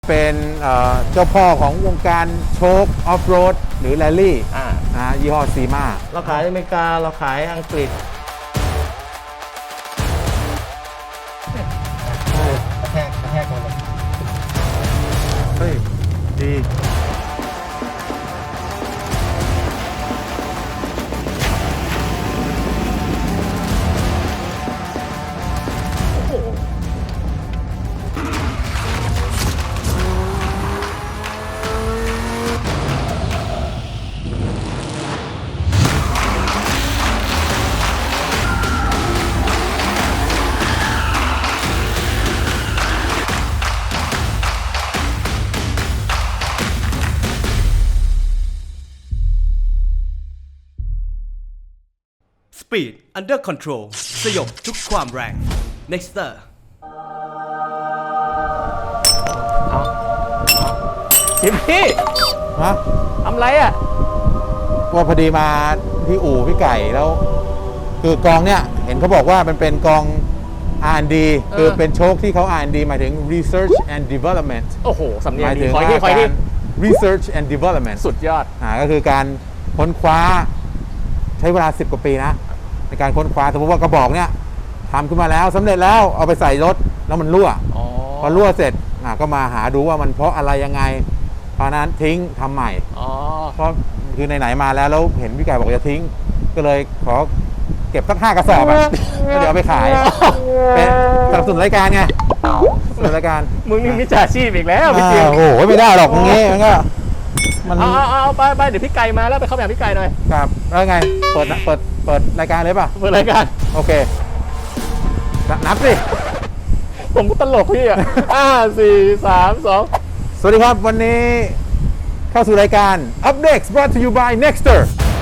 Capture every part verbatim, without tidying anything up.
เป็นเจ้าพ่อของวงการโชคออฟโรดหรือแรลลี่นะยี่ห้อซีมาเราขายอเมริกาเราขายอังกฤษกระแทกกระแทกหมดเลยเฮ้ยดี Speed Under Control สยบทุกความแรง Nexter เอาจิมพี่ฮะทำไรอ่ะว่าพอดีมาที่อู่พี่ไก่แล้วคือกองเนี่ยเห็นเขาบอกว่ามันเป็นกอง อาร์ แอนด์ ดี คือเป็นโชคที่เขา อาร์ แอนด์ ดี หมายถึง Research and Development โอ้โหสำเนียหงมายดีถึงคอยว่าที่คอยกาที่ร Research and Development สุดยอดอ่าก็คือการค้นคว้าใช้เวลาสิบกว่าปีนะในการค้นคว้าสมมติว่ากระบอกเนี่ยทำขึ้นมาแล้วสำเร็จแล้วเอาไปใส่รถแล้วมันรั่วพอรั่วเสร็จก็มาหาดูว่ามันเพราะอะไรยังไงเพราะนั้นทิ้งทำใหม่เพราะคือไหนๆมาแล้วแล้วเห็นพี่ไก่บอกจะทิ้งก็เลยขอเก็บสักห้ากระสอบอ่ะแล้วเดี๋ยวเอาไปขายเป็นสนับสนุนรายการไงสนับสนุนรายการมึงนี่มิจฉาชีพอีกแล้วพี่เจมโอ้โหไม่ได้หรอกอย่างงี้มันก็มันเอาเอาเอาไปไปเดี๋ยวพี่ไก่มาแล้วไปเข้าแบบพี่ไก่หน่อยครับแล้วไงเปิดเปิดเปิดรายการเลยป่ะเปิดรายการโอเคนับสิผมก็ตลกพี่อ่ะห้าสี่สามสองสวัสดีครับวันนี้เข้าสู่รายการ Up Next brought to you by Nexter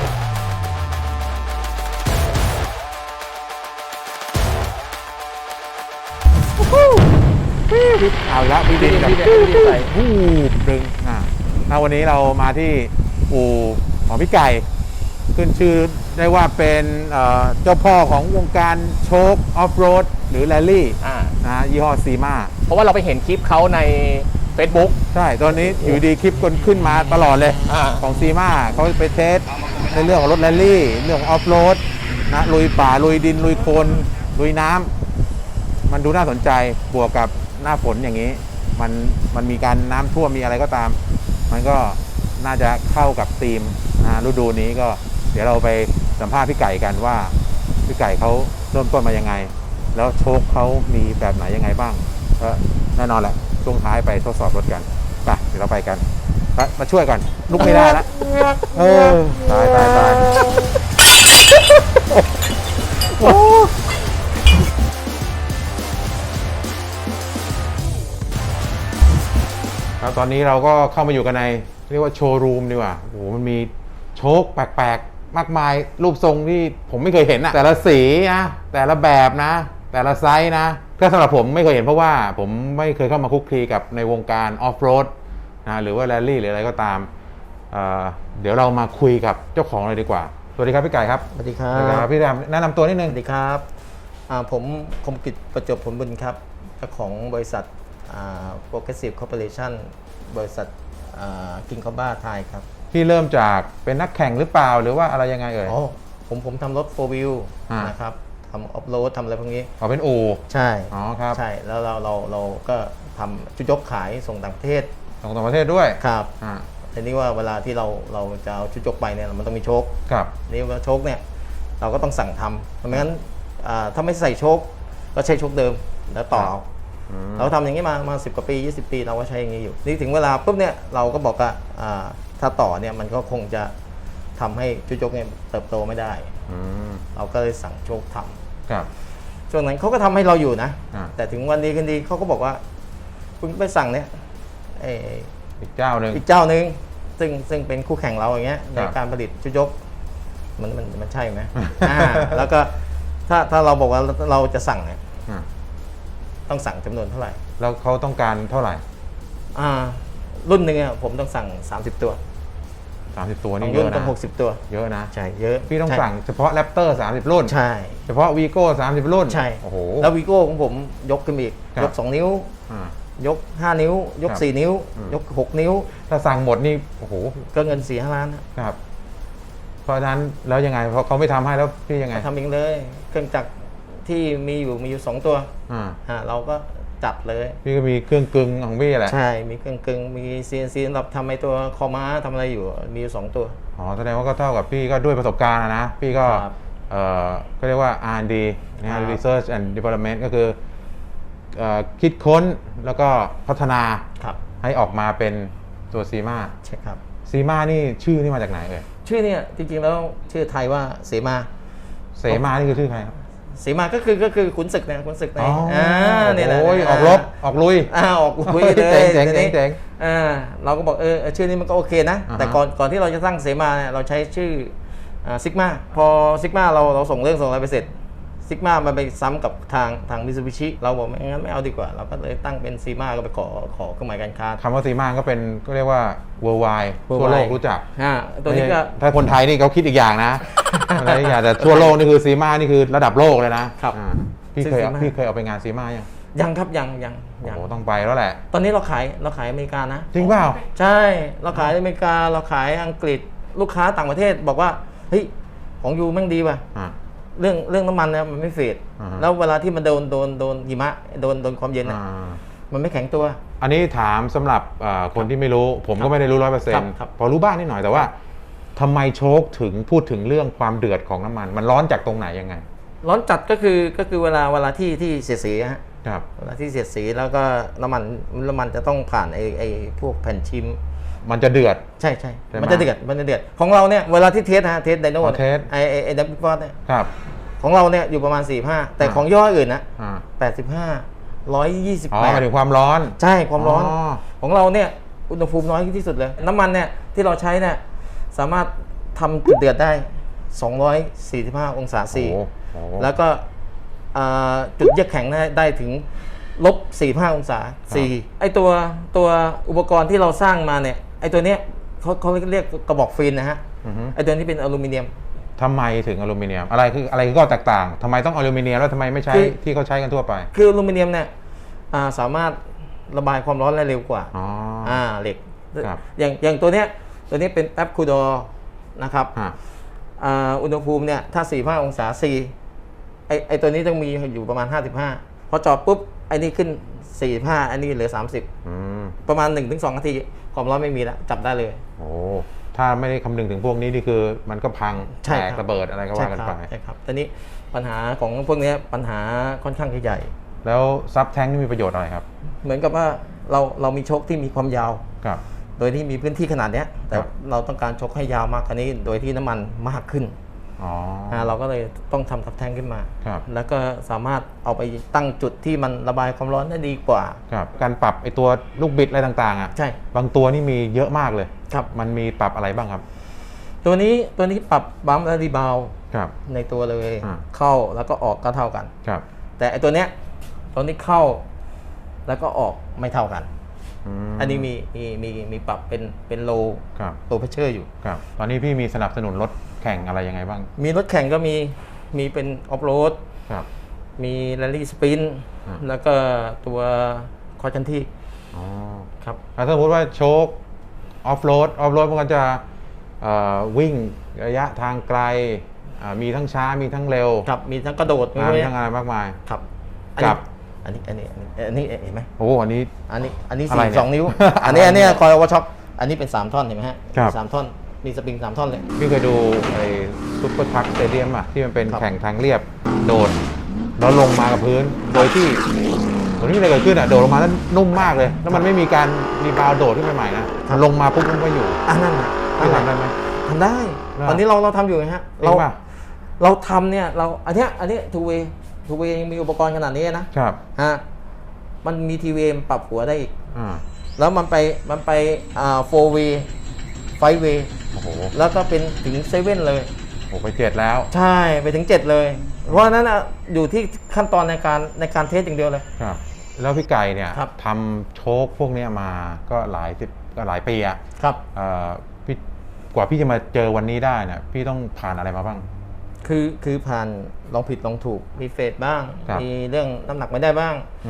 เอาละพี่ดินกับผู้ดึงอ่าวันนี้เรามาที่อู่ของพี่ไก่ขึ้นชื่อได้ว่าเป็นเจ้าพ่อของวงการโชคออฟโรดหรือแรลลี่นะยี่ห้อซีมาเพราะว่าเราไปเห็นคลิปเขาใน Facebook ใช่ตอนนี้อยู่ดีคลิปคนขึ้นมาตลอดเลยของซีมาเขาไปเทสในเรื่องของรถแรลลี่เรื่องของออฟโรดนะลุยป่าลุยดินลุยโคลนลุยน้ำมันดูน่าสนใจบวกกับหน้าฝนอย่างนี้มันมันมีการน้ำท่วมมีอะไรก็ตามมันก็น่าจะเข้ากับธีมนะฤดูนี้ก็เดี๋ยวเราไปสัมภาษณ์พี่ไก่กันว่าพี่ไก่เขาเริ่มต้นมายังไงแล้วโชคเขามีแบบไหนยังไงบ้างก็แน่นอนแหละช่วงท้ายไปทดสอบรถกันไปเดี๋ยวเราไปกันมาช่วยก่อนลุกไม่ได้แล้วเออตายตายตายแล้วตอนนี้เราก็เข้ามาอยู่กันในเรียกว่าโชว์รูมดีกว่าโอ้โหมันมีโชคแปลกๆมากมายรูปทรงที่ผมไม่เคยเห็นนะแต่ละสีนะแต่ละแบบนะแต่ละไซส์นะถ้าสำหรับผมไม่เคยเห็นเพราะว่าผมไม่เคยเข้ามาคุกคีกับในวงการออฟโรดนะหรือว่าแรลลี่หรืออะไรก็ตาม เ, เดี๋ยวเรามาคุยกับเจ้าของเลยดีกว่าสวัสดีครับพี่ไก่ครับสวัสดีครับพี่แรมแนะนำตัวนิดนึงสวัสดีครับผมคมกิจประจบผลบุญครับเจ้าของบริษัทโปรเกรสซีฟคอร์ปอเรชั่นบริษัทกิงคอบ้าไทยครับพี่เริ่มจากเป็นนักแข่งหรือเปล่าหรือว่าอะไรยังไงเอ่ยอ๋อผมผมทำรถโฟร์วิวนะครับทำออฟโรดทำอะไรพวกนี้อ๋อเป็นอู่ใช่อ๋อครับใช่แล้วเราเราเราก็ทำชุดยกขายส่งต่างประเทศส่งต่างประเทศด้วยครับอ่าทีนี้ว่าเวลาที่เราเราจะเอาชุดยกไปเนี่ยมันต้องมีโชคครับนี่ว่าโชคเนี่ยเราก็ต้องสั่งทำเพราะงั้นถ้าไม่ใส่โชคก็ใช้โชคเดิมแล้วต่อเราทำอย่างนี้มามาสิบกว่าปียี่สิบปีเราก็ใช้อย่างนี้อยู่นี่ถึงเวลาปุ๊บเนี่ยเราก็บอกว่าถ้าต่อเนี่ยมันก็คงจะทำให้ชุดยกเนี่ยเติบโตไม่ได้เราก็เลยสั่งโชคทำครับช่วงนั้นเขาก็ทำให้เราอยู่นะแต่ถึงวันดีกันดีเขาก็บอกว่าคุณไปสั่งเนี่ยอีกเจ้าหนึ่งอีกเจ้าหนึ่งซึ่งซึ่งเป็นคู่แข่งเราอย่างเงี้ยในการผลิตชุดยกมันมันมันใช่ไหมแล้วก็ถ้าถ้าเราบอกว่าเราจะสั่งเนี่ยต้องสั่งจำนวนเท่าไหร่แล้วเขาต้องการเท่าไหร่อ่ารุ่นหนึ่งอ่ะผมต้องสั่งสามสิบตัวสามสิบตัวนี่เยอะนะต้องหกสิบตัวเยอะนะใช่เยอะพี่ต้องสั่งเฉพาะแรปเตอร์สามสิบรุ่นใช่เฉพาะวีโก้สามสิบรุ่นใช่โอ้โหแล้ววีโก้ของผมยกขึ้นอีกยกสองนิ้วยกห้านิ้ว ยกครับสี่นิ้วอืมยกหกนิ้วถ้าสั่งหมดนี่โอ้โหก็เงินสี่ห้าล้านนะครับ เพราะฉะนั้นแล้วยังไงพอเขาไม่ทำให้แล้วพี่ยังไงทำเองเลยเครื่องจักรที่มีอยู่มีอยู่สองตัวอ่าอ่าเราก็จัดเลยพี่ก็มีเครื่องกลึงของพี่แหละใช่มีเครื่องกึ่งมี ซี เอ็น ซี สำหรับทำไอตัวคอม้าทำอะไรอยู่มีอยู่สองตัวอ๋อแสดงว่าก็เท่ากับพี่ก็ด้วยประสบการณ์อะนะพี่ก็ครับเอ่อก็เรียกว่า อาร์ แอนด์ ดี นะครัฮะบ Research and Development ก็คือเอ่อคิดค้นแล้วก็พัฒนาครับให้ออกมาเป็นตัวซีมาใช่ครับซีมานี่ชื่อนี่มาจากไหนเอ่ยชื่อเนี่ยจริงๆแล้วชื่อไทยว่าเสมาเสมานี่คือชื่อใครครับเสมาก็คือก็คือขุนศึกเนี่ยขุนศึกในอ๋ออ่าเนี่ยแหละโอ้ยออกรบออกลุยอ่าออกลุยเลยเจ๋งๆทีนี้เจ๋งอ่าเราก็บอกเออเออชื่อนี้มันก็โอเคนะอ่าฮะแต่ก่อนก่อนที่เราจะตั้งเสมาเนี่ยเราใช้ชื่อซิกมาพอซิกมาเราเราส่งเรื่องส่งอะไรไปเสร็จซิกมามันไปซ้ำกับทางทางมิซูบิชิเราบอกไม่งั้นไม่เอาดีกว่า เราก็เลยตั้งเป็นซีมาก็ไปขอขอเครื่องหมายการค้าคำว่าซีมาก็เป็นก็เรียกว่า worldwide ทั่วโลกรู้จักอ่าตัวนี้ก็ถ้าคนไทยนี่เขาคิดอีกอย่างนะ อะไรอีกอย่างแต่ทั่วโลกนี่คือซีมานี่คือระดับโลกเลยนะครับ อ่าพี่เคยเอาซีมาพี่เคยเอาไปงานซีมายังยังครับยังยังโอ้ยังโหต้องไปแล้วแหละตอนนี้เราขายเราขายอเมริกานะจริงเปล่าใช่เราขายอเมริกาเราขายอังกฤษลูกค้าต่างประเทศบอกว่าเฮ้ยของยูแม่งดีว่ะอ่าเรื่องเรื่องน้ำมันเนี่ยมันไม่เฟดอ่าฮะแล้วเวลาที่มันโดนโดนโดนหิมะโดนโดนความเย็นอ่อ่ะามันไม่แข็งตัวอันนี้ถามสำหรับอ่าคนที่ไม่รู้ ผมก็ไม่ได้รู้ร้อยเปอร์เซ็นครัต์บครับพอรู้บ้างนิดหน่อยแต่ว่าทำไมโชคถึงพูดถึงเรื่องความเดือดของน้ำมัน มันร้อนจากตรงไหนยังไงร้อนจัดก็คือก็คือเวลาเวลาที่ที่เสียดสีฮะครับเวลาที่เสียดสีแล้วก็น้ำมันน้ำมันจะต้องผ่านไอ้ไอ้พวกแผ่นชิมมันจะเดือดใช่ใช่ใช่ไหมมันจะเดือดมันจะเดือดของเราเนี่ยเวลาที่เทสฮะเทสไดโน่อ๋อเทสไอ้ไอ้ไอ้ดับเบิลฟอร์เนี่ยครับของเราเนี่ยอยู่ประมาณสี่ห้าแต่อ่าของย่ออื่นนะอ่าแปดสิบห้าร้อยยี่สิบอ๋อแปหดมายถึงความร้อนใช่ความร้อนอ๋อของเราเนี่ยอุณหภูมิน้อยที่สุดเลย น้ำมันเนี่ยที่เราใช้เนี่ยสามารถทำจุดเดือดได้สองร้อยสี่สิบห้าองศาซีโอ้โหแล้วก็อ่าจุดเยือกแข็งได้ได้ถึงลบสี่สิบห้าองศาซีไอตัวตัวอุปกรณ์ที่เราสร้างมาเนี่ยไอตัวเนี้ยเขาเขาเรียกกระบอกฟินนะฮะอือฮึไอตัวนี้เป็นอลูมิเนียมทำไมถึงอลูมิเนียมอะไรคืออะไรคือข้อแตกต่างทำไมต้องอลูมิเนียมแล้วทำไมไม่ใช้คือที่เขาใช้กันทั่วไปคืออลูมิเนียมเนี่ยอ่าสามารถระบายความร้อนได้เร็วกว่าอ๋ออ่าเหล็กครับอย่างอย่างตัวเนี้ยตัวนี้เป็นแป๊บคูดอนะครับอ่ะอ่าอุณหภูมิเนี่ยถ้าสี่สิบห้าองศาซีไอไอตัวนี้ต้องมีอยู่ประมาณห้าสิบห้าพอจอดปุ๊บไอนี่ขึ้นสี่สิบห้าอันนี้เหลือสามสิบอืมประมาณ หนึ่งถึงสอง นาทีความร้อนไม่มีแล้วจับได้เลยโอ้ถ้าไม่ได้คำนึงถึงพวกนี้นี่คือมันก็พังใช่แตกครับระเบิดอะไรก็ว่ากันไปใช่ครับใช่ครับตอนนี้ปัญหาของพวกเนี้ยปัญหาค่อนข้างใหญ่แล้วซับแท้งนี่มีประโยชน์อะไรครับเหมือนกับว่าเราเรามีโชคที่มีความยาวครับโดยที่มีพื้นที่ขนาดเนี้ยแต่ครับเราต้องการชกให้ยาวมากกว่านี้ โดยที่น้ำมันมากขึ้นอ๋ออ่าเราก็เลยต้องทำทับแท่งขึ้นมาครับแล้วก็สามารถเอาไปตั้งจุดที่มันระบายความร้อนได้ดีกว่าครับการปรับไอตัวลูกบิดอะไรต่างๆอ่ะใช่บางตัวนี่มีเยอะมากเลยครับมันมีปรับอะไรบ้างครับตัวนี้ตัวนี้ปรับบัมป์และรีบาวด์ครับในตัวเลยอ่าเข้าแล้วก็ออกก็เท่ากันครับแต่ไอตัวเนี้ยตัวนี้เข้าแล้วก็ออกไม่เท่ากันมอันนี้มีมีมีมีปรับเป็นเป็นโลครับโลเพชเชอร์อยู่ครับตอนนี้พี่มีสนับสนุนรถแข่งอะไรยังไงบ้างมีรถแข่งก็มีมีเป็นออฟโรดครับมีแรลลี่สปรินต์อ่าแล้วก็ตัวคอร์ชันที่อ๋อครับถ้าสมมติว่าโชคออฟโรดออฟโรดมันก็จะเอ่อวิ่งระยะทางไกลอ่ามีทั้งช้ามีทั้งเร็วครับมีทั้งกระโดดอ่ามีทั้งอะไรมากมายครับครับอันนี้อันนี้อันนี้อันนี้เห็นไหมโอ้อันนี้อันนี้อันนี้อะไรสี่เนี่ยสองนิ้ว อันนี้อันนี้คอยวอช็อปอันนี้เป็นสามท่อนเห็นไหมฮะครับสามท่อนมีสปริงสามท่อนเลยพี่เคยดูไอ้ซุปเปอร์ทักสเตเดียมอ่ะที่มันเป็นครับแข่งทางเรียบโดดแล้วลงมากับพื้น โดยที่ตรงนี้อะไรเกิดขึ้นอ่ะโดดลงมาแล้วนุ่มมากเลย แล้วมันไม่มีการรีบาวด์โดดขึ้นไปใหม่นะมันลงมาปุ๊บมันก็อยู่อันนั้นน่ะพี่ทำได้ไหมทำได้เหรอตอนนี้เราเราทำอยู่ไงฮะจริงป่ะเราทำเนี่ยเราอันเนี้ยอันนี้ทูเวทูเวยังมีอุปกรณ์ขนาดนี้นะครับ ฮะมันมีทีวีปรับหัวได้อีกอ่าแล้วมันไปมันไปอ่าโฟเวไฟเวโอ้โหแล้วก็เป็นถึงเซเว่นเลยโอ้ไปเจ็ดแล้วใช่ไปถึงเจ็ดเลย เพราะฉะนั้นอะอยู่ที่ขั้นตอนในการในการเทสอย่างเดียวเลยครับ แล้วพี่ไก่เนี่ยครับทำโชคพวกเนี้ยมาก็หลายสิบก็หลายปีอะครับเอ่อพี่กว่าพี่จะมาเจอวันนี้ได้เนี่ยพี่ต้องผ่านอะไรมาบ้างคือคือผ่านลองผิดลองถูกมีเฟดบ้างครับมีเรื่องน้ำหนักไม่ได้บ้างอืมไป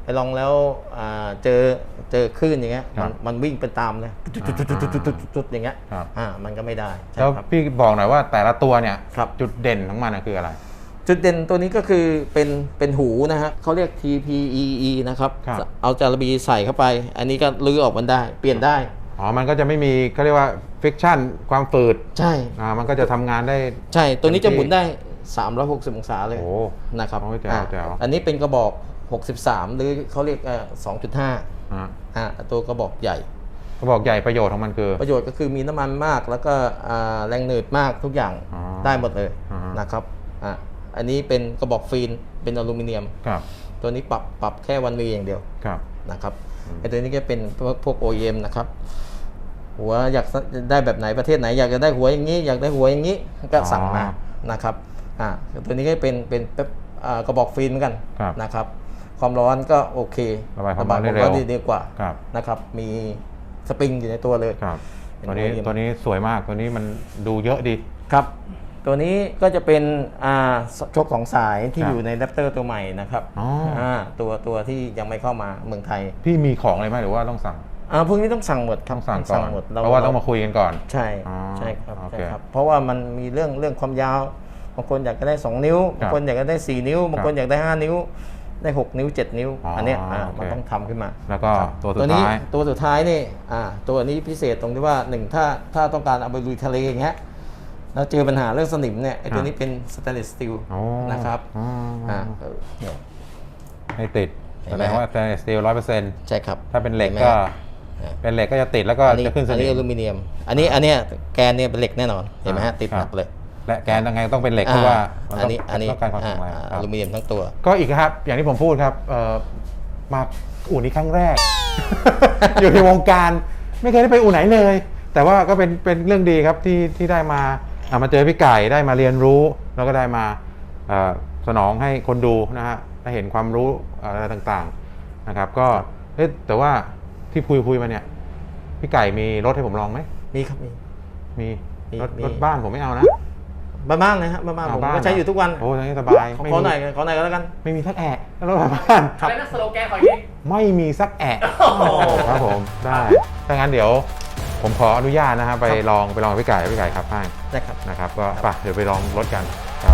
ลองแล้วอ่าเจอเจอคลื่นอย่างเงี้ยครัมับนมันวิ่งเป็นตามเลยจุดๆๆๆๆๆอย่างเงี้ยครับอ่ามันก็ไม่ได้ใช่แล้วครับพี่บอกหน่อยว่าแต่ละตัวเนี่ยครับจุดเด่นของมันน่ะคืออะไรจุดเด่นตัวนี้ก็คือเป็นเป็นหูนะฮะเขาเรียก ที พี อี อี นะครับครับเอาจาระบีใส่เข้าไป อันนี้ก็ลื้อออกมันได้เปลี่ยนได้อ๋อมันก็จะไม่มีเขาเรียกว่าฟิกชันความฝืดใช่อ่ามันก็จะทำงานได้ใช่ตัวนี้จะหมุนได้สามร้อยหกสิบองศาเลยโอ้นะครับโอ้ยแจ๋วอ่ะแจ๋วอันนี้เป็นกระบอกหกสิบสามหรือเขาเรียกเอ่อสองจุดห้าอ่าอ่าตัวกระบอกใหญ่เขาบอกใหญ่ประโยชน์ของมันคือประโยชน์ก็คือมีน้ำมันมากแล้วก็อ่าแรงหนืดมากทุกอย่างอ๋อได้หมดเลยอ่าฮะนะครับอ่ะอันนี้เป็นกระบอกฟิล์มเป็นอลูมิเนียมครับตัวนี้ปรับปรับแค่วันวีอย่างเดียวครับนะครับไอตัวนี้ก็เป็นพวกพวก โอ อี เอ็ม นะครับหัวอยากได้แบบไหนประเทศไหนอยากจะได้หัวอย่างนี้ อยากได้หัวอย่างนี้ก็สั่งมานะครับอ่าตัวนี้ก็เป็นเป็นเป็นอ่ากระบอกฟิล์มเหมือนกันครับนะครับความร้อนก็โอเคระบายความร้อนได้เร็วดีดีกว่าครับนะครับมีสปริงอยู่ในตัวเลยครับเป็นตัวนี้โอ เอ็มตัวนี้สวยมากตัวนี้มันดูเยอะดีครับ ตัวนี้ก็จะเป็นอ่าชกของสายที่ครับอยู่ในแรปเตอร์ตัวใหม่นะครับอ๋ออ่าตัวตัวที่ยังไม่เข้ามาเมืองไทยพี่มีของอะไรไหมหรือว่าต้องสั่งอ่าพวกนี้ต้องสั่งหมดครับต้องสั่งก่อนหมดเพราะว่าต้องมาคุยกันก่อนใช่อ๋อใช่ครับโอเคใช่ครับเพราะว่ามันมีเรื่องเรื่องความยาวบางคนอยากจะได้สองนิ้วครับบางคนอยากจะได้สี่นิ้วบางคนอยากได้ห้านิ้ว ได้หกนิ้วเจ็ดนิ้วอ๋ออัอันเนี้ยอ่าโอเคมันต้องทำขึ้นมาแล้วก็ครับตัวสุดตัวนี้ท้ายตัวสุดท้ายนี่อ่าตัวนี้พิเศษตรงที่ว่าหนึ่งถ้าถ้าต้องการเอาไปลุยทะเลอย่างเงี้ยแล้วเจอปัญหาเรื่องสนิมเนี่ยไอ้ตัวนี้เป็นสแตนเลสสตีลอ๋อนะครับอ๋ออ่อ่าเออเนี่ยไม่ติดเห็แสนไหมดงว่าสแตนเลสสตีลร้อยเปอร์เซ็นต์ใช่ครับถ้าเป็นเหล็กห็นไมก็ฮะเป็นเหล็กก็จะติดแล้วก็อันนี้จะขึ้นสอันนินี้อมลูมิเนียม อันนี้อันเนี้ยแกนเนี่ยเป็นเหล็กแน่นอนเห็นไหมฮะติดหนักเลยและแกนยังไงต้องเป็นเหล็กเพราะว่ามันอัต้นองนี้อันนี้ต้องการความแข็งแรงอ่าครัอบ ลูมิเนียมทั้งตัวก็อีกครับ อย่างที่ผมพูดครับเอ่อมาอู่นี้ครั้งแรก อยู่ในวงการไม่เคยได้ไปอู่ไหนเลย แต่ว่าก็เป็นเป็นเรื่องดีครับที่ที่ได้มาอ่ะมาเจอพี่ไก่ได้มาเรียนรู้ แล้วก็ได้มาเอ่อสนองให้คนดูนะฮะได้เห็นความรู้อะไรต่างๆนะครับ ก็เอ๊ะแต่ว่าที่คุยคุยมาเนี่ยพี่ไก่มีรถให้ผมลองไหมมีครับมีมีมีรถมีรถบ้านผมไม่เอานะบ้านๆเลยครับบ้านๆผมบ้ก็ใช้อยู่ทุกวันโอ้ยนี้สบายขอไม่ขอมีหน่อยขอหน่อยก็แล้วกันไม่มีสักแอะแล้วรถบ้านครับอะไรนะสโลแกนของยี่ไม่มีสักแอะโอ้โหครับผมได้ถ้างั้นเดี๋ยวผมขออนุญาตนะฮะไปลองไปลองกับพี่ไก่พี่ไก่ครับให้ได้ครับนะครับ ก็ไปเดี๋ยวไปลองรถกันครับ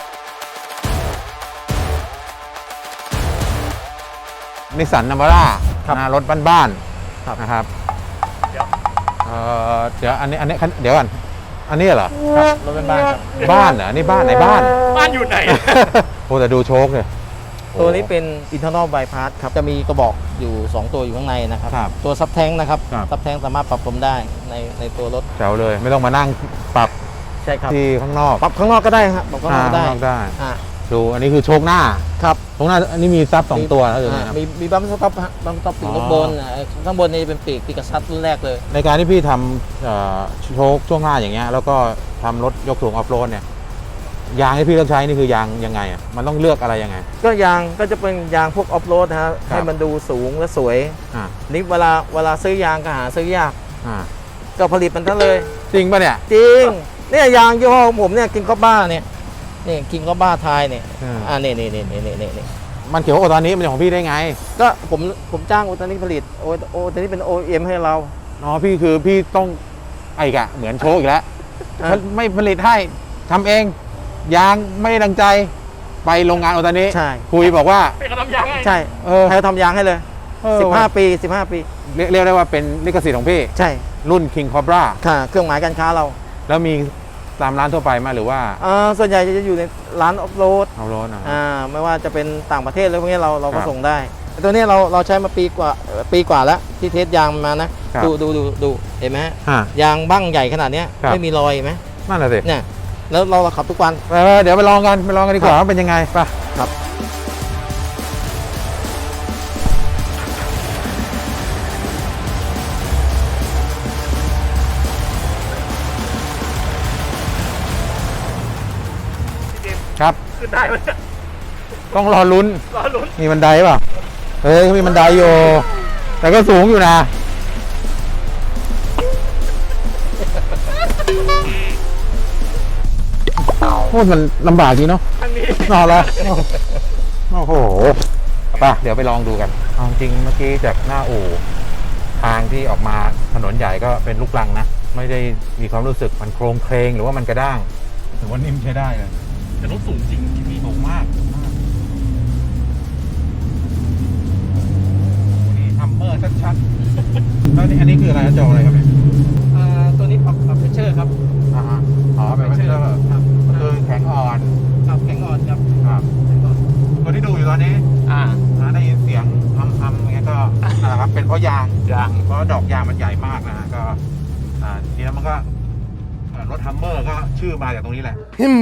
นิสสันนัมบาร่าครับนะรถบ้านครับๆนะครับเดี๋ยวเอ่อเดี๋ยวอันนี้อันนี้เดี๋ยวก่อนอันนี้เหรอครับรถเป็นบ้านครับบ้านเหรออันนี้บ้านไหนบ้านบ้านอยู่ไหนโอ้แต่ดูโชคเลยตัวนี้เป็น internal bypass ครับจะมีกระบอกอยู่ สอง ตัวอยู่ข้างในนะครับครับตัวซับแทงนะครับครับซับแทงสามารถปรับลมได้ในในตัวรถแจ๋วเลยไม่ต้องมานั่งปรับใช่ครับที่ข้างนอกปรับข้างนอกก็ได้ครับปรับข้างนอกก็ได้ข้างนอกได้อ่าดูอันนี้คือโชคหน้าครับโชคหน้าอันนี้มีซับสองตัวแล้วอยู่อ่านะครับมีมีบัมสต็อปฮะบัมสต็อปปีกอ๋อรถบนอ่าข้างบนนี่เป็นปีกปีกกระซัดรุ่นแรกเลยในการที่พี่ทำเอ่อโชคช่วงหน้าอย่างเงี้ยแล้วก็ทำรถยกสูงออฟโรดเนี่ยยางที่พี่เลือกใช้นี่คือยางยังไงอ่ะมันต้องเลือกอะไรยังไงก็ยางก็จะเป็นยางพวกออฟโรดนะฮะครับให้มันดูสูงและสวยอ่านี่เวลาเวลาซื้อยางก็หาซื้อยากอ่าก็ผลิตมันทั้งเลยจริงป่ะเนี่ยจริงเนี่ยยางยี่ห้อของผมเนี่ยกินข้าวบ้าเนี่ยนี่กินข้าวบ้าไทยเนี่ยอืมอ่านี่นี่นี่นี่นี่นี่มันเขียวโอตอนนี้มันของพี่ได้ไงก็ผมผมจ้างโอตานิผลิตโอโอตานิเป็น โอ เอ็ม ให้เราอ๋อพี่คือพี่ต้องไอ้กะเหมือนโชคอีกแล้วอ่ะไม่ผลิตให้ทำเองยางไม่ได้ดังใจไปโรงงานโอตอนนี้ใช่คุยบอกว่าเป็นกระทำยังไงใช่เออให้เราทำยางให้เลยเออสิบห้าปีสิบห้าปีเรียกเรียกได้ว่าเป็นลิขสิทธิ์ของพี่ใช่รุ่น King Cobra ค่ะเครื่องหมายการค้าเราแล้วมีตามร้านทั่วไปไหมหรือว่าอ่าส่วนใหญ่จะอยู่ในร้านออฟโรดเอารถนะอ่าไม่ว่าจะเป็นต่างประเทศหรือพวกนี้เราเราครัก็บส่งได้แต่ตัวนี้เราเราใช้มาปีกว่าเอ่อปีกว่าแล้วที่เทสยางมานะครับ ดูดูดูดูเห็นไหมฮะอ่ะยางบ้างใหญ่ขนาดเนี้ยครับไม่มีรอยเห็นไหมนั่นแหละสิเนี่ยแล้วเราเราขับทุกวันเออเดี๋ยวไปลองกันไปลองกันดีกว่าว่าเป็นยังไงไปครับครับขึ้นได้ไหมเนี่ยต้องรอลุ้นรอลุ้นมีบันไดป่ะเฮ้ยเขามีบันไดอยู่แต่ก็สูงอยู่นะโคตรมันลำบากจริงเนาะทางนี้นอนแล้วโอ้โหไปเดี๋ยวไปลองดูกันเอาจริงเมื่อกี้จากหน้าอู่ทางที่ออกมาถนนใหญ่ก็เป็นลูกรังนะ ไม่ได้มีความรู้สึกมันโครงเคลงหรือว่ามันกระด้างถือว่านิ่มใช้ได้เลยแต่รถสูงจริงที่พี่สูงมากสูงมากนี่ทัมเมอร์ชัดๆแล้วนี่อันนี้คืออะไรนะจออะไรครับเนี่ยอ่าตัวนี้ปรับปรับเพชเชอร์ครับอ่าฮะอ๋อเป็นเพชเชอร์ครับก็คือแข็งอ่อนครับแข็งอ่อนครับครับตัวที่ดูอยู่ตอนนี้อ่านะได้ยินเสียงทำทำอย่างเงี้ยก็นั่นแหละครับเป็นเพราะยางยางเพราะดอกยางมันใหญ่มากนะฮะก็อ่าทีนี้มันก็เอ่อรถฮัมเมอร์ก็ชื่อมาจากตรงนี้แหละ Him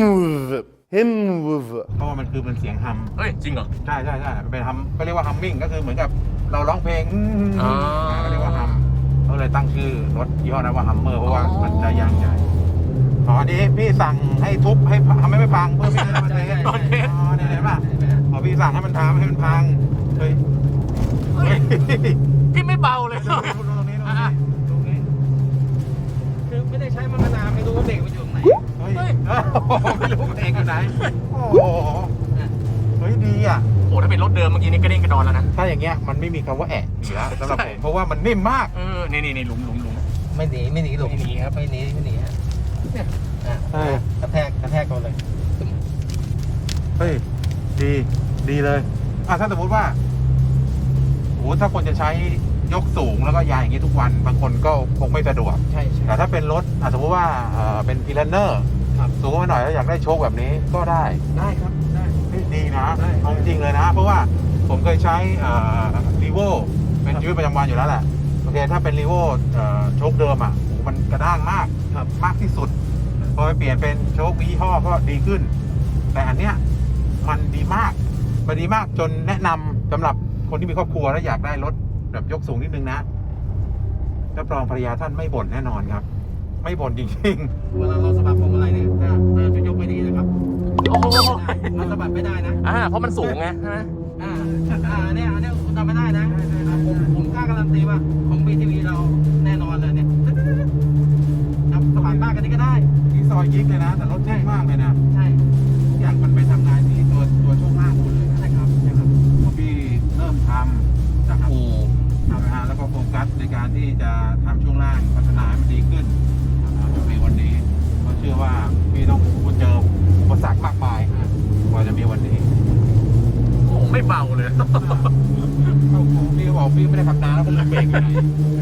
him เพราะว่ามันคือเป็นเสียงฮัมเฮ้ย จริงเหรอใช่ใช่ใช่มันเป็นฮัมก็เรียกว่าฮัมมิ่งก็คือเหมือนกับเราร้องเพลงอืมอ๋ออ่าก็เรียกว่าฮัมเขาเลยตั้งชื่อรถยี่ห้อนั้นว่าฮัมเมอร์เพราะว่ามันจะยางใหญ่อ๋ออันนี้พี่สั่งให้ทุบให้ทำให้ไม่พังเพื่อพี่จะได้มาเทสตอนเทสอ๋อเนี่ยเห็นป่ะอ๋อพี่สั่งให้มันทำให้มันพังเฮ้ยเฮ้ยพี่ไม่เบาเลยตรงนี้ตรงนี้ตรงนี้ตรงนี้คือไม่ได้ใช้มามานานไม่รู้ว่าเบรกมันอยู่ตรงไหนเฮ้ยโอ้โหไม่รู้เองอยู่ไหนโอ้โหเฮ้ยดีอ่ะโอ้ถ้าเป็นรถเดิมเมื่อกี้นี่กระเด้งกระดอนแล้วนะถ้าอย่างเงี้ยมันไม่มีคำว่าแอะอยู่แล้วสำหรับผมเพราะว่ามันนิ่มมากเออ นี่นี่นี่หลุมหลุมหลุมไม่หนีไม่หนีหลบไม่หนีครับไม่หนีไม่หนีฮะเนี่ยอ่ะเออกระแทกกระแทกเขาเลยตึ้มเฮ้ยดีดีเลยอ่ะถ้าสมมติว่าโอ้โหถ้าคนจะใช้ยกสูงแล้วก็ยายอย่างนี้ทุกวัน บางคนก็คงไม่สะดวกใช่ใช่แต่ถ้าเป็นรถอ่ะสมมติว่าเอ่อเป็นพีลันเนอร์ครับสูงมาหน่อยแล้วอยากได้โชคแบบนี้ก็ได้ได้ครับได้เฮ้ยดีนะได้เอาจริงๆเลยนะ เพราะว่าผมเคยใช้รีโวเป็นชีวิตประจำวันอยู่แล้วแหละโอเคถ้าเป็นรีโวโชคเดิมอ่ะโอ้โหมันกระด้างมากครับมากที่สุด พอไปเปลี่ยนเป็นโชคยี่ห้อก็ดีขึ้น แต่อันเนี้ยมันดีมากมันดีมากจนแนะนำสำหรับคนที่มีครอบครัวแล้วอยากได้รถแบบยกสูงนิดนึงนะรับรองภรรยาท่านไม่บ่นแน่นอนครับ ไม่บ่นจริงเวลาเราสะบัดพวงมาลัยเนี่ยถ้าถ้าจะยกไม่ดีนะครับโอ้โหมันสะบัดไม่ได้นะอ่า เพราะมันสูงไงใช่ไหมอ่าอ่าเนี่ยอันเนี้ยคุณทำไม่ได้นะอ่าผมผมกล้าการันตีว่าของ บี ที วี เราแน่นอนเลยเนี่ยครับสะบัดมากกันนี้ก็ได้ๆที่ซอยยิกเลยนะ แต่รถเท่มากเลยนะใช่ทุกอย่างมันไปทำงานที่ตัวตัวช่วงล่างหมดเลยนะใช่ครับใช่ครับพอพี่เริ่มทำจากอู่ทำนะฮะแล้วก็โฟกัสในการที่จะทำช่วงล่างพัฒนาให้มันดีขึ้นจนในวันนี้ก็เชื่อว่าพี่ต้องเจออุปสรรคมากมายกว่าจะมีวันนี้โอ้ไม่เบาเลยเข้าครูพี่ก็บอกพี่ไม่ได้ทำนานแล้วผมเบรกอยู่ไหน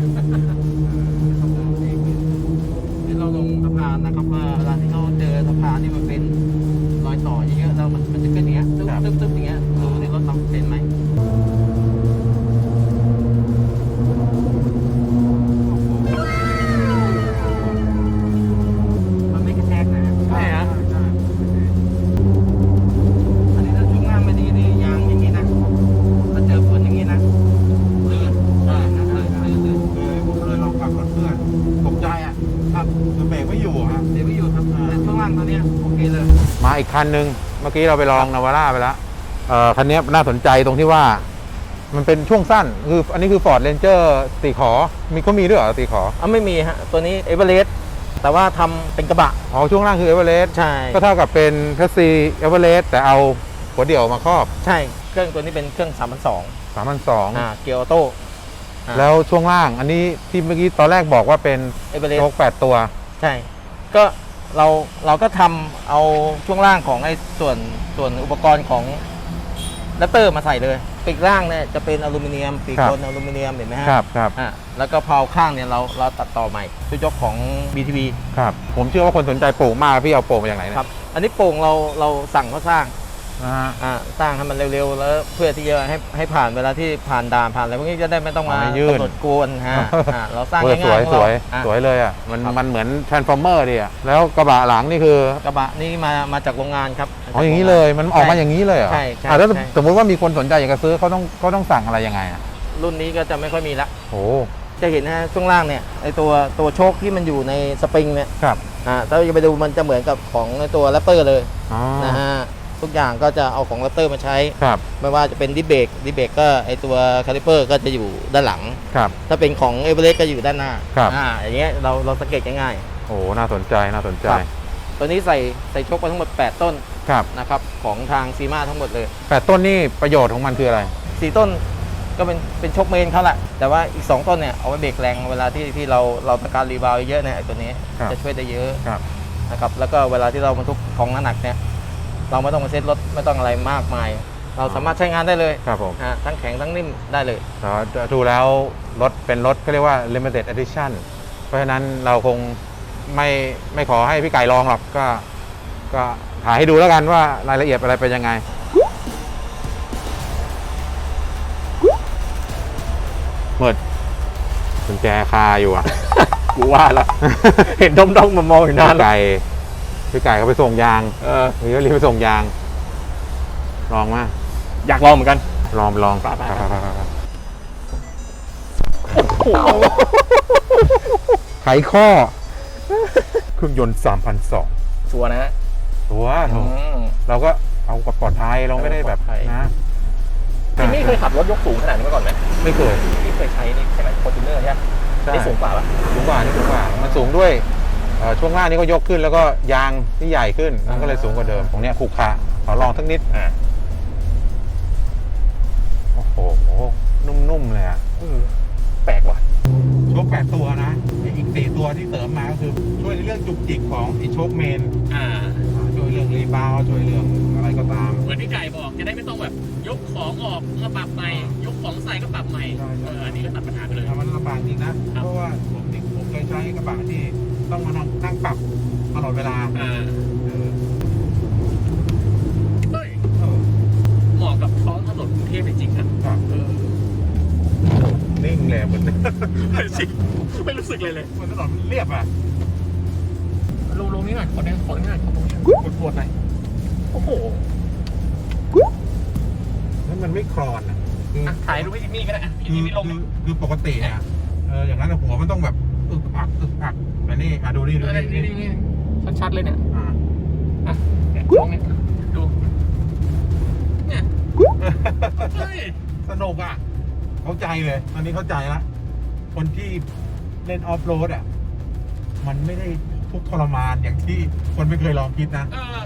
นี่เราลงสะพานนะครับว่าเวลาที่เขาเจอสะพานที่มันเป็นรอยต่อเยอะๆแล้วมันมันจะขึ้นอย่างเงี้ยตึ๊บตึ๊บตึ๊บอย่างเงี้ยดูในรถเราเป็นไหมมันไม่กระแทกนะใช่ฮะอันนี้ถ้าช่วงล่างไม่ดีนี่ยางอย่างนี้นะถ้าเจอฝนอย่างนี้นะลื่นอ่าลื่นลื่นลื่นเคยผมเคยลองขับรถเพื่อนตกใจอ่ะครับคือเบรกไม่อยู่ฮะเดี๋ยวไม่อยู่ครับแต่ช่วงล่างตัวเนี้ยโอเคเลยมาอีกคันหนึ่งเมื่อกี้เราไปลองนาวาร่าไปแล้วเอ่อคันนี้น่าสนใจตรงที่ว่า มันเป็นช่วงสั้นคืออันนี้คือ Ford Ranger ตีขอมีก็มีด้วยเหรอตีขออ่ะไม่มีฮะ ตัวนี้เอเวอเรสต์แต่ว่าทำเป็นกระบะอ๋อช่วงล่างคือ Everest ใช่ก็เท่ากับเป็นแพสซีเอเวอเรสต์แต่เอาหัวเดี่ยวมาครอบใช่ เครื่องตัวนี้เป็นเครื่องสามพันสองสามพันสองอ่าเกียร์ออโต้ อ่าแล้วช่วงล่างอันนี้ที่เมื่อกี้ตอนแรกบอกว่าเป็นเอเวอเรสโชคแปดตัวใช่ ก็เราเราก็ทำเอาช่วงล่างของไอ้ส่วนส่วนอุปกรณ์ของแรปเตอร์มาใส่เลย ปีกล่างเนี่ยจะเป็นอลูมิเนียม ปีกครับบนอลูมิเนียมเห็นไหมฮะครับครับอ่าแล้วก็เพาข้างเนี่ยเราเราตัดต่อใหม่ชุดยกของ บี ที วีครับ ผมเชื่อว่าคนสนใจปลูกมากพี่เอาปลูกมาจากไหนเนยครับ อันนี้โป่งเราเราสั่งเขาสร้างนะฮะอ่าสร้างให้มันเร็วๆ แล้วเพื่อที่จะให้ให้ผ่านเวลาที่ผ่านด่านผ่านอะไรพวกนี้จะได้ไม่ต้องมาไม่ยื่นกำหนดกวนฮะอ่าเราสร้างเออง่ายสวยๆของสเราวยอ่ะสวยเลยอ่ะมันครับมันเหมือน transformer ดิอ่ะแล้วกระบะหลังนี่คือกระบะนี่มามาจากโรงงานครับอ๋ออย่างนี้เลยมันออกมาอย่างนี้เลยเหรอใช่ใช่อ่ะแล้วใช่สมมติว่ามีคนสนใจอยากจะซื้อเขาต้องเขาต้องสั่งอะไรยังไงอ่ะรุ่นนี้ก็จะไม่ค่อยมีละโอ้จะเห็นนะฮะช่วงล่างเนี่ยไอตัวตัวโชคที่มันอยู่ในสปริงเนี่ยครับอ่าถ้าเราจะไปดูมันจะเหมือนกับของไอ้ตัวแรปเตอร์เลยอ๋อนะฮะทุกอย่างก็จะเอาของแรปเตอร์มาใช้ครับไม่ว่าจะเป็นดิสเบรกดิสเบรกก็ไอตัวคาลิเปอร์ก็จะอยู่ด้านหลังครับถ้าเป็นของเอเวอเรสต์ก็อยู่ด้านหน้าครับอ่าอย่างเงี้ยเราเราสังเกตง่ายโอ้น่าสนใจน่าสนใจครับ ๆตัวนี้ใส่ใส่โชคไปทั้งหมดแปดต้นครับนะครับของทางซีมาทั้งหมดเลยแปดต้นนี่ประโยชน์ของมันคืออะไรสี่ต้นก็เป็นเป็นโชคเมนเขาแหละแต่ว่าอีกสองต้นเนี่ยเอาไว้เบรกแรงเวลาที่ที่เราเราต้องการรีบาวด์เยอะเนี่ยไอ้ตัวนี้ครับจะช่วยได้เยอะครับนะครับแล้วก็เวลาที่เราบรรทุกของหนักๆเนี่ยเราไม่ต้องมาเซ็ตรถไม่ต้องอะไรมากมาย เราสามารถใช้งานได้เลยครับผมฮะทั้งแข็งทั้งนิ่มได้เลยแต่ว่าดูแล้วรถเป็นรถก็เรียกว่า limited edition เพราะฉะนั้นเราคงไม่ไม่ขอให้พี่ไก่ลองหรอกก็ก็ถ่ายให้ดูแล้วกันว่ารายละเอียดอะไรเป็นยังไงเมิดกุญแจคาอยู่อ่ะกูว่าแล้ว เห็นด้อมๆมามองอยู่นานพี่ไก่พี่ไก่เขาไปส่งยางเออหรือรีบไปส่งยาง ลองมาอยากลองเหมือนกันลองลองไปไปไปไปไปไปไขข้อ เครื่องยนต์ สามพันสองร้อยชัวร์นะฮะตัวโถอืมเราก็เอากับปลอดภัยเราไม่ได้แบบปลอดภัยนะจิมมี่เคยขับรถยกสูงขนาดนี้มาก่อนไหมไม่เคยที่เคยใช้นี่ใช่ไหมฟอร์จูเนอร์ใช่ไหมใช่นี่สูงกว่าปะสูงกว่านี่สูงกว่า มันสูงด้วยเอ่อช่วงล่างนี่ก็ยกขึ้นแล้วก็ยางที่ใหญ่ขึ้นมันก็เลยสูงกว่าเดิมตรงเนี้ยขรุขระขอลองสักนิดอ่าโอ้โหนุ่มๆเลยอะแปลกว่ะโชคแปดตัวนะอีกสี่ตัวที่เสริมมาก็คือช่วยในเรื่องจุกจิกของไอโชคเมนอ่าช่วยเรื่องรีบาวด์ช่วยเรื่องอะไรก็ตามเหมือนที่ไก่บอกจะได้ไม่ต้องแบบยกของออกมาปรับใหม่ยกของใส่ก็ปรับใหม่ใช่ใช่เอออันนี้ก็ตัดปัญหาไปเลยมันลำบากจริงนะ เพราะว่าผมที่ผมเคยใช้กระบะที่ต้องมานั่งนั่งปรับตลอดเวลาอ่าเออเฮ้ยเออเหมาะกับท้องถนนกรุงเทพจริงๆนะครับ เออนิ่งเลยเหมือนจริงไม่รู้สึกเลยเลยเหมือนถนนเรียบอ่ะลงลงนี้หน่อยขอแดงขอนี้หน่อยขอตรงนี้กดปวดหน่อยโอ้โหแล้วมันไม่คลอนอ่ะคืออ่ะถ่ายรูปให้จิมมี่ก็ได้อ่ะพี่คือจิมมี่ลงคือคือปกติเนี่ยเอออย่างนั้นอะหัวมันต้องแบบอึกอักอึกอักแต่นี่อ่ะดูนี่ดูเออนี่นี่นี่นี่ชัดๆเลยเนี่ยอ่าอ่ะเนี่ยลองเนี่ยดูเนี่ยเฮ้ยสนุกอ่ะ เข้าใจเลยตอนนี้เข้าใจละคนที่เล่นออฟโรดอ่ะ มันไม่ได้ทุกข์ทรมานอย่างที่คนไม่เคยลองคิดนะเออ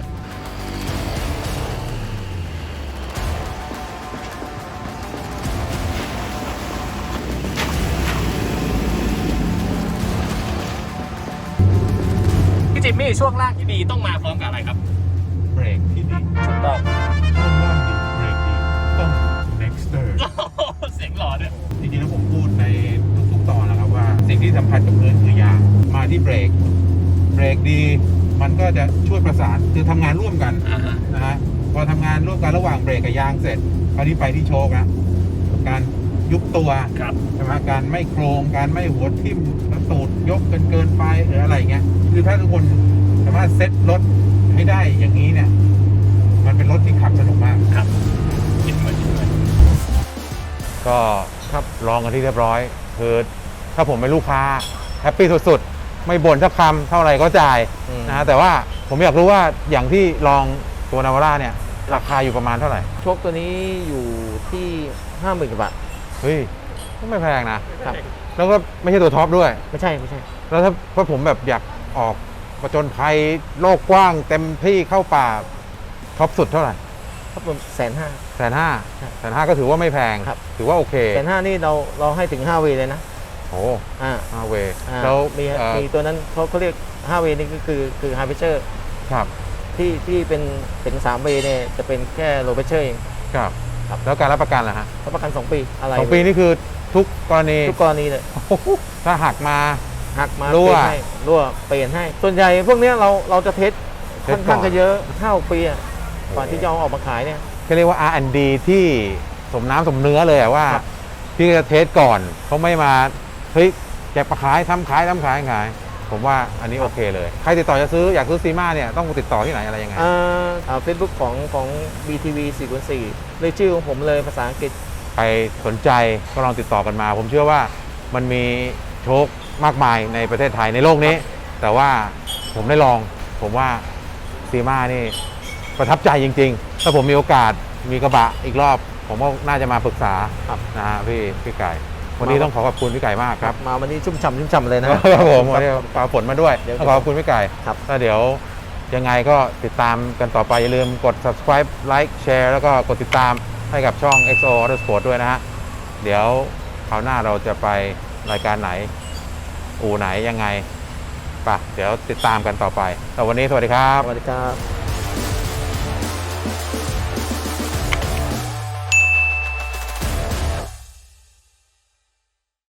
พี่จิมมี่ช่วงล่างที่ดีต้องมาพร้อมกับอะไรครับเบรกที่ดีถูกต้องช่วงล่างดีเบรกดีต้อง Nexter เสียงหล่อด้วยจริงๆแล้วผมพูดในทุกๆตอนนะครับว่า สิ่งที่สำคัญกับพื้นคือยางมาที่เบรก เบรกดี มันก็จะช่วยประสานคือทำงานร่วมกันอ่าฮะนะฮะพอทำงานร่วมกันระหว่างเบรกกับยางเสร็จคราวนี้ไปที่โชคนะการยุบตัวครับใช่ไหมการไม่โครงการไม่หัวทิ่มแล้วตูดยกเกินเกินไปหรืออะไรเงี้ยคือถ้าทุกคนสามารถเซ็ตรถให้ได้อย่างนี้เนี่ย มันเป็นรถที่ขับสนุกมากครับคิดเหมือนคิดเหมือนก็ครับลองกันที่เรียบร้อยคือถ้าผมเป็นลูกค้าแฮปปี้สุดๆ ไม่บ่นสักคำเท่าไหร่ก็จ่ายอืมนะฮะแต่ว่าผมอยากรู้ว่าอย่างที่ลองตัวนาวาร่าเนี่ย ราคาอยู่ประมาณเท่าไหร่โชคตัวนี้อยู่ที่ห้าหมื่นกว่าบาทเฮ้ยก็ไม่แพงนะ ครับ แล้วก็ไม่ใช่ตัวท็อปด้วยไม่ใช่ไม่ใช่แล้วถ้าถ้าผมแบบอยากออกประจนภัยโลกกว้างเต็มที่เข้าป่าท็อปสุดเท่าไหร่ครับผมแสนห้าแสนห้าครับแสนห้าก็ถือว่าไม่แพงครับถือว่าโอเคแสนห้านี่เราเราให้ถึงห้าเวเลยนะโอ้อ่าห้าเวอ่าแล้วมีเอ่อมีตัวนั้นเขาเขาเรียกห้าเวนี่ก็คือคือไฮเพเชอร์ครับที่ที่เป็นถึงสามเวเนี่ยจะเป็นแค่โลเพเชอร์เองครับครับแล้วการรับประกันล่ะฮะรับประกันสองปีอะไรสองปีนี่คือทุกกรณีทุกกรณีเลยถ้าหักมาหักมารั่วเปลี่ยนให้รั่วเปลี่ยนให้ ส่วนใหญ่พวกเนี้ยเราเราจะเทสเทค่สอนก่ข้าอนงจะเยอะห้าปีอะก่อนที่จะเอาออกมาขายเนี่ยก็เรียกว่า อาร์ แอนด์ ดี ที่สมน้ำสมเนื้อเลยอะว่าครับพี่จะเทสก่อนเขาไม่มาเฮ้ยแจกประขายทำขายทำขายขาย ผมว่าอันนี้โอเคเลย ใครติดต่อจะซื้ออยากซื้อซีมาเนี่ยต้องติดต่อที่ไหนอะไรยังไงเฟซบุ๊กของของ บี ที วี สี่คูณสี่เลยชื่อของผมเลยภาษาอังกฤษใครสนใจก็ลองติดต่อกันมา ผมเชื่อว่ามันมีโชคมากมายในประเทศไทยในโลกนี้ แต่ว่าผมได้ลอง ผมว่าซีมานี่ประทับใจจริงๆ ถ้าผมมีโอกาสมีกระบะอีกรอบ ผมก็น่าจะมาปรึกษาครับนะฮะพี่พี่ไก่ วันนี้ต้องขอขอบคุณพี่ไก่มากครับมาวันนี้ชุ่มฉ่ำชุ่มฉ่ำเลยนะครับผมวันนี้ปาฝนมาด้วยเดี๋ยวต้องขอขอบคุณพี่ไก่ครับแล้วเดี๋ยวยังไงก็ติดตามกันต่อไปอย่าลืมกด subscribe like share แล้วก็กดติดตามให้กับช่อง เอ็กซ์ โอ Autosport ด้วยนะฮะเดี๋ยวคราวหน้าเราจะไปรายการไหน อู่ไหนยังไงป่ะเดี๋ยวติดตามกันต่อไปแต่วันนี้สวัสดีครับสวัสดีครับ